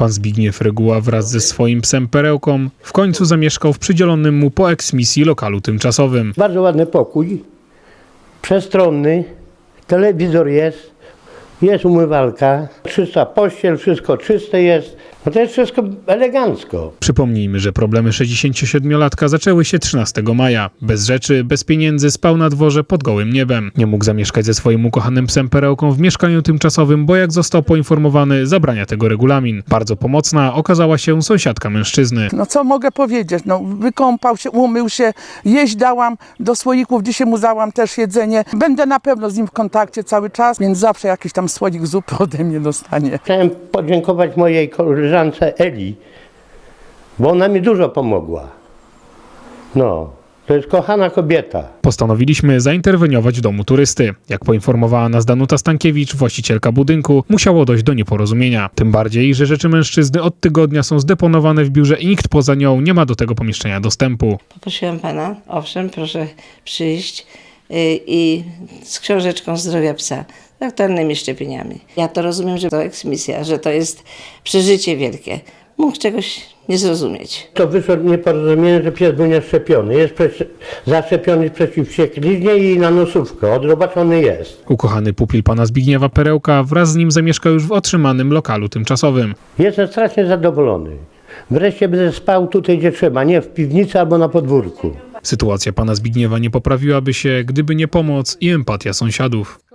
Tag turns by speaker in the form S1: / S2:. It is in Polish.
S1: Pan Zbigniew Reguła wraz ze swoim psem Perełką w końcu zamieszkał w przydzielonym mu po eksmisji lokalu tymczasowym.
S2: Bardzo ładny pokój, przestronny, telewizor jest umywalka, czysta pościel, wszystko czyste jest. No to jest wszystko elegancko.
S1: Przypomnijmy, że problemy 67-latka zaczęły się 13 maja. Bez rzeczy, bez pieniędzy spał na dworze pod gołym niebem. Nie mógł zamieszkać ze swoim ukochanym psem Perełką w mieszkaniu tymczasowym, bo jak został poinformowany, zabrania tego regulamin. Bardzo pomocna okazała się sąsiadka mężczyzny.
S3: No co mogę powiedzieć, no wykąpał się, umył się, jeść dałam do słoików, dzisiaj mu dałam też jedzenie. Będę na pewno z nim w kontakcie cały czas, więc zawsze jakiś tam słoik zupy ode mnie dostanie.
S2: Chciałem podziękować mojej koleżance Eli, bo ona mi dużo pomogła. No, to jest kochana kobieta.
S1: Postanowiliśmy zainterweniować w domu turysty. Jak poinformowała nas Danuta Stankiewicz, właścicielka budynku, musiało dojść do nieporozumienia. Tym bardziej, że rzeczy mężczyzny od tygodnia są zdeponowane w biurze i nikt poza nią nie ma do tego pomieszczenia dostępu.
S4: Poprosiłam pana, owszem, proszę przyjść i z książeczką zdrowia psa, z aktualnymi szczepieniami. Ja to rozumiem, że to eksmisja, że to jest przeżycie wielkie. Mógł czegoś nie zrozumieć.
S2: To wyszło nieporozumienie, że pies był nieszczepiony. Jest zaszczepiony przeciw wściekliźnie i na nosówkę. Odrobaczony jest.
S1: Ukochany pupil pana Zbigniewa Perełka wraz z nim zamieszka już w otrzymanym lokalu tymczasowym.
S2: Jestem strasznie zadowolony. Wreszcie będę spał tutaj, gdzie trzeba, nie w piwnicy albo na podwórku.
S1: Sytuacja pana Zbigniewa nie poprawiłaby się, gdyby nie pomoc i empatia sąsiadów.